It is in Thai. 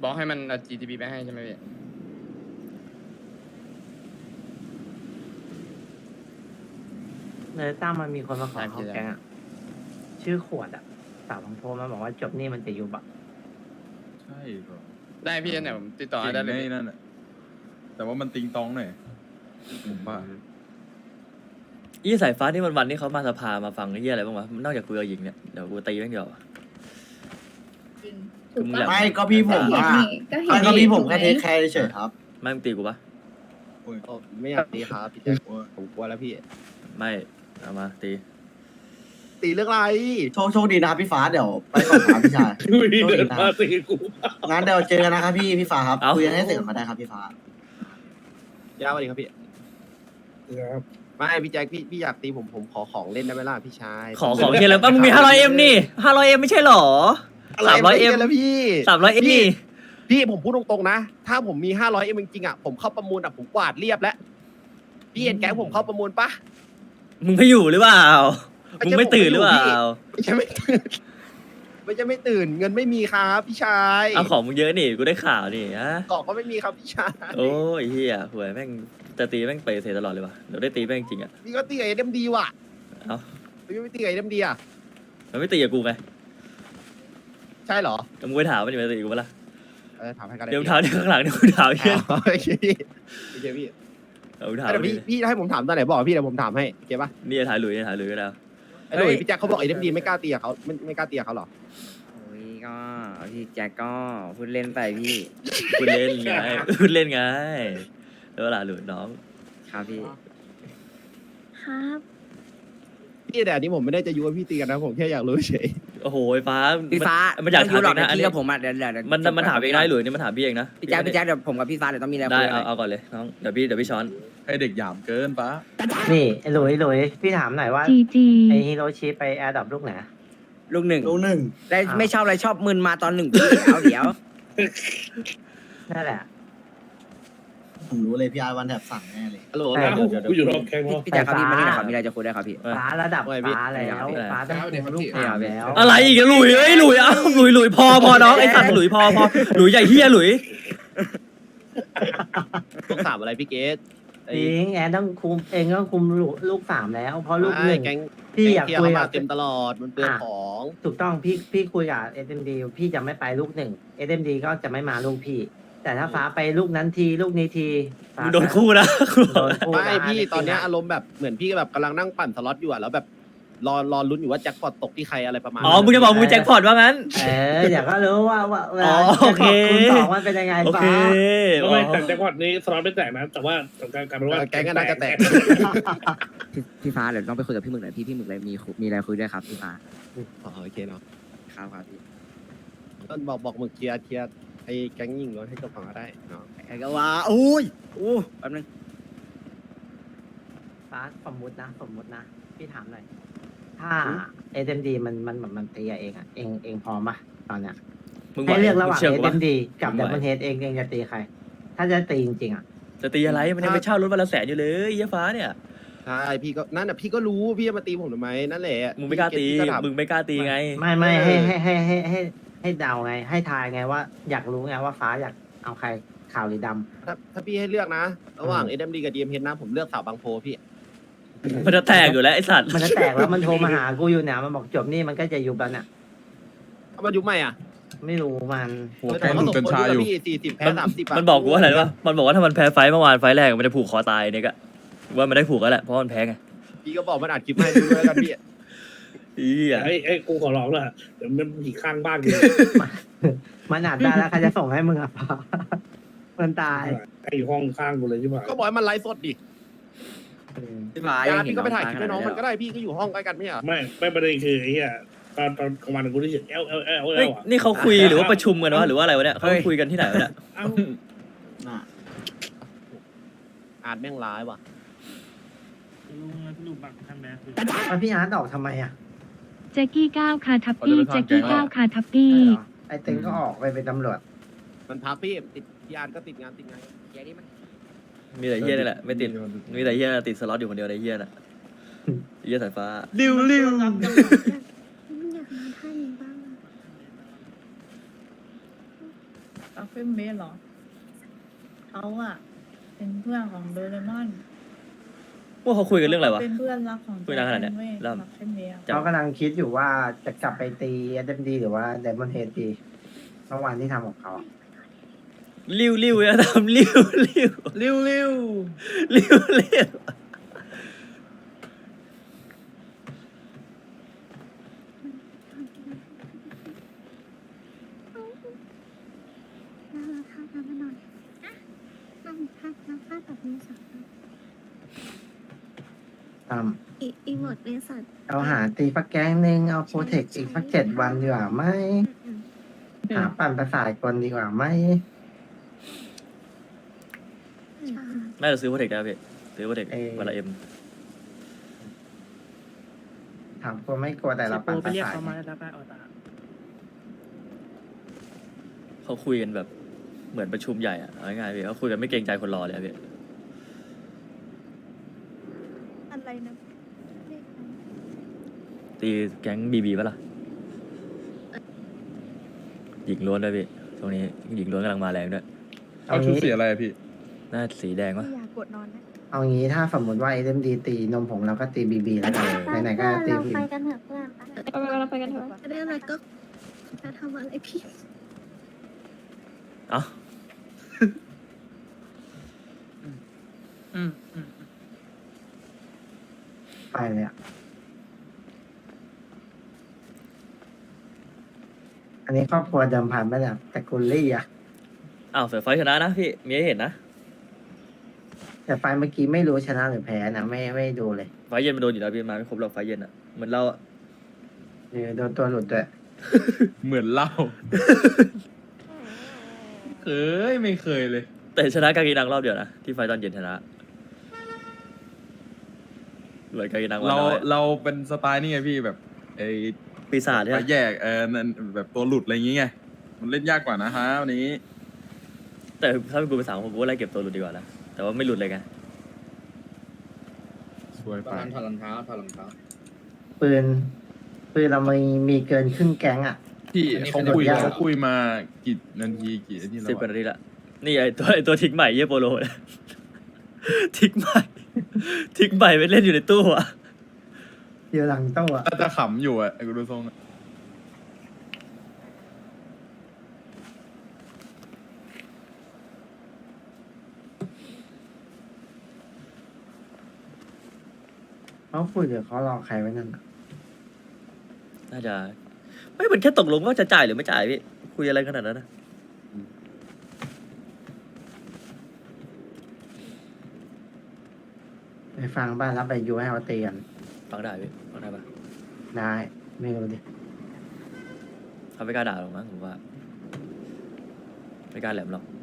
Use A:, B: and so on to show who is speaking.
A: บอกให้มันเอา GTB ไปให้ใช่ไหมพี่
B: เลยตั้มมันมีคนมาขอเข้าแกงอะชื่อขวดอะสาวบางโพมาบอกว่าจบนี่มันจะยุบอะ
C: ใช่เหรอ
A: ได้พี่เนี่ยผมติดต่อให้ได้เลย
C: เก่งแน่นั่นแหละแต่ว่ามันติงตองหน่อยผมว่า
D: ยี่สายฟ้านี่วันๆนี่เขามาสภามาฟังไอ้เหี้ยอะไรบ้างวะนอกจากคุยกับหญิงเนี่ยเดี๋ยวกูตีแม่งเดียว
E: จริง
D: คือมึงอยาก
F: ไม่ก็พี่ผมว่า
E: ก็เห็
F: ไม่
E: น
F: ก็พี่ผม
E: ถูกไห
F: แค่เทคแคร์เฉยๆครับ
D: ไม่มึงตีกูปะ
G: ไม่อยากตีครับพี่แจ็คผมกลัวแล้วพี่
D: ไม่เอามาตี
G: ตีเรื่องอะไร
F: โชคดีนะครับพี่ฟ้าเดี๋ยวไปก่อนครับพี่ชายโชคดีนะงั้นเดี๋ยวเจอกันนะครับพี่ฟ้าครับคุยกันให้เสร็จก่อนก็ได้ครับพี่ฟ้าย
G: าวสวัสดีครับพี่ไม่พี่แจ็คพี่อยากตีผมขอของเล่นได้ไหมล่ะพี่ชาย
D: ขอของเฮียแล้วป่ะมึงมี500M นี่500M ไม่ใช่หรอ 300M
G: แล้วพี่
D: 300M นี่
G: พี่ผมพูดตรงๆนะ ถ้าผมมี500 จริงๆอ่ะผมเข้าประมูลอ่ะผมกวาดเรียบแล้วพี่เห็นแก๊งผมเข้าประมูลปะ
D: มึงไม่อยู่หรือเปล่ามึงไม่ตื่นหรือเปล่า
G: ไม่ใช่ไม่ตื่นไม่ใช่ไม่ตื่นเงินไม่มีครับพี่ชาย
D: เอาของมึงเยอะนี่กูได้ข่าวนี่ฮะ
G: กล่องก็ไม่มีครับพี่ชาย
D: โอ้ยเฮียหวยแม่งจะตีแม่งเปย์เสียตลอดเลยวะเดี๋ยวได้ตีแม่งจริงอ่ะ
G: พี่ก็ตีกับเอ็มดีว่ะ
D: เอ้า
G: พี่ไม่ตีกับเอ็มดีอ่ะ
D: มันไม่ตีกับกูไง
G: ใช่เหรอ
D: มึงไปถามมันจะมาตีกูปะล่ะ
G: ถามให้กัน
D: เดี๋ยวถามเดี๋ยวข้างหลังเดี๋ยวกูถามเฮีย
G: โอเคพี่โอเคพี่
D: เดี๋ยวกูถาม
G: เดี๋ยวพี่ให้ผมถามตอนไหนบอกพี่เดี๋ยวผมถามให้โอเคปะ
D: นี่ถ่ายหลุยนี่ถ่ายหลุยก็ได้
G: ไอ้หนุ่ยพี่แจ็คเขาบอกไอ้เอ็มดีไม่กล้าตีกับเขาไม่กล้าตีกับเขาหรอ
H: โอ้ยก็พี่แจ็คก็พูดเล่นไปพี่
D: คุณเล่นไงคุณเล่นไงแล้วล่ะหลุยน้อง
H: ครับพี่
E: ครับ
G: พี่แต่อันนี้ผมไม่ได้จะยุให้พี่ตีกันนะผมแค่อยากรู้เฉย
D: โอ้โหไอ้ฟ้า
H: พี่ฟ้า
D: มันอยากถาม
H: หร
D: เอ
H: อก
D: งนะอัน
H: พี่
D: นี้
H: กับผมอ่ะเดี๋ยว
D: มันถามเองได้หลุยนี่มันถามพี่เองนะ
H: พี่แจ็คเดี๋ยวผมกับพี่ฟ้าเดี๋ยวต้องมีอะไร
D: ได้
H: คุยกันหน่อย
D: เอาก่อนเลยน้องเดี๋ยวพี่ช้อน
C: ให้เด็กหยามเกินปะ
B: นี่ไอ้หลุยพี่ถามหน่อยว่า
E: จีจี
B: ไอ้ฮิโรชิไปแอร์ดับลูกไหน
H: ลูกหนึ่ง
F: ลูกหนึ่ง
H: ได้
B: อ้าว
H: ไม่ชอบอะไรชอบมึนมาตอนหนึ่งพี่เอาเดี๋ยว
B: นั่นแหละ
F: ผมรู้เลยพี่อาร์วันแถบสั่งแน่เลย
G: ฮัลโหล
I: กูอยู่รอบแข้ง
H: พี่แจ็คครับพี่มานี่หน่อยครับมีอะไรจะคุยได้วยครับพี่
B: ฟ้าระดับฟ้าแล้วฟ้าต้องคุมลูกสามแล้ว
D: อะไรอีกอะหลุยเอ้ยหลุยเอ้าหลุยพอน้องไอ้สัตว์หลุยพอหลุยใหญ่เฮียหลุย
G: ต้องถามอะไรพี่เกต
B: จริงแอนต้องคุมเองต้องคุมลูกสามแล้วเพราะลูกหนึ่ง
G: แก๊ง
B: พี่อยาก
G: เที่ยว
B: คุย
G: เข้า
B: กั
G: มา
B: บ
G: เต็มตลอดมันเปลืองของ
B: ถูกต้องพี่คุยกับเอ็มดีพี่จะไม่ไปลูกหนึ่งเอ็มดีก็จะไม่มาลูกพี่ แต่ถ้าฟ้าไปลูกนั้นทีลูกนี้ทีฟ้า
D: มึงโดนคู่นะ
B: โดนคู่
G: ไม่
B: นะ
G: พี่ตอนเนี้ย
B: จริงๆะ
G: อารมณ์แบบเหมือนพี่แบบกำลังนั่งปั่นสล็อตอยู่อะแล้วแบบรอลุ้นอยู่ว่าแจ็คพอตตกที่ใครอะไรประมาณ
D: อ๋อมึงจะบอกมึงแจ็คพอตว่างั้น
B: เดี๋ยวก็รู้ว่าเวลา
D: โอเค
B: คุณสองมันเป็นยังไง
D: โอ
B: ฟ้า
D: เค
I: ไม่แต่แจ็คพอตนี้สล็อตไม่แตกนะแต่ว่าสำคัญกลายเป็นว่า
G: แก๊งก็น่าจะแตก
H: พี่ฟ้าเดี๋ยวต้องไปคุยกับพี่หมึกหน่อยพี่หมึกเลยมีอะไรคุยด้วยครับพี่ฟ้า
G: อ๋อโอเคเนาะ
H: ครับครับพี่
G: ต้นบอกมึงเคลียร์ไอ้แก๊งยิงรถให้จบก่อนก็ได้เนาะ
H: ไอ้ก็ว่าอุ้ยอู้แป๊บนึง
B: ฟ้าสมมุตินะพี่ถามหน่อยถ้าเอ็มดีมันตีกับเองอ่ะเองพร้อมปะตอนเนี้ย
D: มึง
B: ให้เลือกระหว่าง
D: ชื่
B: เอ็
D: กูปะ
B: มดีกับดับเบิลเฮดเองจะตีใคร ถ้าจะตีจริงๆอ่ะ
D: จะตีอะไรมันยังไปเช่ารถวันละ100,000อยู่เลยเหี้ยฟ้าเนี่ย
G: ใช่พี่ก็นั่นน่ะพี่ก็รู้พี่จะมาตีผมทำไมนั่นแหละ
D: มึงไม่กล้าตี
G: พี่ถาม
D: มึงไม่กล้าตีไง
B: ไม่ให้เดาไง ให้ทายไงว่าอยากรู้ไงว่าฟ้าอยากเอาใครขาวหรือดำ
G: ถ้าพี่ให้เลือกนะ ระหว่าง SMD กับ DMH นะผมเลือกสาวบางโพพี่
D: มันจะแตกอยู่แล้วไอ้สัตว์
B: มันจะแตกแล้วมันโทรมาหากูอยู่เนี่ยมันบอกจบนี่มันก็จะยุบแล้วเนี่ย
G: เอามายุบใหม่อ่ะ
B: ไม่รู้มัน
C: หัวแกงหนุ่มกัญชาอยู่
G: พี่40แพ้30
D: มันบอกกูว่าอะไรรู้ป่ะมันบอกว่าถ้ามันแพ้ไฟต์เมื่อวานไฟต์แรกมันจะผูกคอตายเนี่ยก็ว่ามันได้ผูกแล้วแหละเพราะมันแพ้ไง
G: พี่ก็บอกมันอัดคลิปให้ดูด้วยแล้วกันพี่
D: อีอ่ะ
I: ไอ้กูขอร้องเลยเดี๋ยวมันผีข้างบ้านกู
B: มันอาจได้แล้วใครจะส่งให้มึงอ่ะ ฟ้ามันตาย
I: ไอ้ห้องข้างกูเลยใช่ไหม
G: ก็บอกให้มันไลฟ์สดดิ
H: พี่ฟ้า
G: อย่า
H: ยังเห็น
G: พี่ก็ไปถ่ายคลิปให้น้อง
H: ฟ้า
G: มันก็ได้พี่ก็อยู่ห้องใกล้กันไม่ใช่เหรอ
I: ไม่ประเด็นคือไอ้เหี้ยตอนกลางวันกูได้ยินเอล
D: เฮ้ยนี่เขาคุยหรือว่าประชุมกันวะหรือว่าอะไรวะเนี่ยเขาคุยกันที่ไหนวะเนี่ย
I: เอ้า
G: อ่านแม่งร้ายว่ะ
B: แล้วพี่อาร์ตออกทำไมอ่ะ
E: แจ็กกี้ก้าวคาทับปี้แจ็กกี้ก้าวคาทับปี้
B: ใช่เหรอไอ้เต็งก็ออกไปเป็นตำรวจ
G: มันพักพี่ติดยานก็ติดงาน
H: เดี๋ยวนี้มัน
D: มีแต่เฮียนี่แหละไม่ติดมีแต่เฮียติดสล็อตอยู่คนเดียวในเฮียน่ะเฮียสายฟ้า
G: ริว
E: อยากมาท่านี้บ้าง
J: อัฟเฟนเบสเหรอเขาอะเป็นเพื่อนของโดเรมอน
D: ว่าเขาคุยกันเรื่องอะไรวะ
J: เป็นเพื่อนรักของ
D: คุยนานขนาดเนี้ย
J: เว้ย
D: เริ่ม
J: อัฟเฟนเบส
B: เขากำลังคิดอยู่ว่าจะกลับไปตี SMD หรือว่า Diamond Head ดีเมื่อวานที่ทำของเขาอะ
D: ริ้วเนี่ยทำริ้ว
A: ริ้วริ้ว
D: ริ้ว
B: อีหมดในสัตว์เอาหาตีฟักแก๊งหนึ่งเอาโปรเทคอีกสัก7 วันดีกว่าไหมหาปั่นประสาทคนดีกว่าไหม
D: น่าจะซื้อโปรเทคได้พี่ซื้อโปรเทควันละเอ็ม
B: ถามคนไม่กลัวแต่เราปั่นประสาท
D: เขาคุยกันแบบเหมือนประชุมใหญ่อะเอาง่ายๆพี่เขาคุยกันไม่เกรงใจคนรอเลยอะพี่
J: อะไรนะ
D: ตีแก๊งบีปะล่ะหญิงล้วนด้วยพี่ช่วงนี้หญิงล้วนกำลังมาแรงด้วย
C: เอาชุดสีอะไรอะพี่
D: น่าสีแดงวะ
J: อยากกดนอนนะ
B: เอางี้ถ้าสมมติว่า SMD ตีนมผงเราก็ตี BB แล้วกันไหนๆก็ตี
E: เรา
B: BB
E: ไปกันเถอะเพื่อนเราไปกันเถอะ
J: จะได้อะไรก็จะทำอะไรพี่
D: เอ้า
B: ไปเลยอะอันนี้ครอบครัวเดิมพันไปแบบแต่กุลลี่อะ
D: อ้าวเสือไฟชนะนะพี่มีให้เห็นนะ
B: แต่ไฟล์เมื่อกี้ไม่รู้ชนะหรือแพ้นะไม่ดูเลย
D: ไฟเย็นมันโดนอยู่แล้วพี่มาไม่ครบหรอกไฟเย็นอะเหมือนเราอะ
B: โดนตัวหลุดด้วย
C: เหมือนเล่า ไม่เคยเลย
D: แต่ชนะกากีนังรอบเดียวนะที่ไฟตอนเย็นชนะเหลือกากีนังวัน
C: เรา
D: น้อย
C: เราเป็นสไตล์นี่ไงพี่แบบไอ้
D: ปีศาจใช่
C: ไป
D: ไหม
C: แยกนั่นแบบตัวหลุดอะไรอย่างเงี้ยมันเล่นยากกว่านะฮะวันนี้
D: แต่ถ้าเป็นกูเป็นสาวผมก็ไล่เก็บตัวหลุดดีกว่านะแต่ว่าไม่หลุดเลยไง
C: สวย
A: ตอ
C: ไป
A: นนั้นถอดรองเท้า
B: ปืนเรามีเกินครึ่งแก๊งอะ
C: พี่
A: อันนี้
C: เขา
A: ขยับ
C: คุย
A: ยาก
C: เขาคุยมากี่นาทีกี่นาทีแล้ว
D: 10 กว่า
C: อะ
D: นาทีละนี่ไอตัวทิกใหม่เยี่ยโปโลเนี่ย ทิกใหม่ไปเล่นอยู่ในตู้อะ
B: เดียวหลังโต๊ะอะ
C: น่าจะขำอยู่อะไอ้กูดูทรงอะ
B: เขาคุยหรือเขารอใครไว้นั่นอะ
D: น่าจะไม่มันแค่ตกลงว่าจะจ่ายหรือไม่จ่ายพี่คุยอะไรขนาดนั้นนะ
B: ไปฟังบ้านแล้วไปยูให้เขาตีกัน
D: ฟังได้พี่ฟังได้ปะ
B: ได้ไม่รู้ดิ
D: เขาไม่กล้าด่าหรอกมั้งผมว่าไม่กล้าแหลมหรอก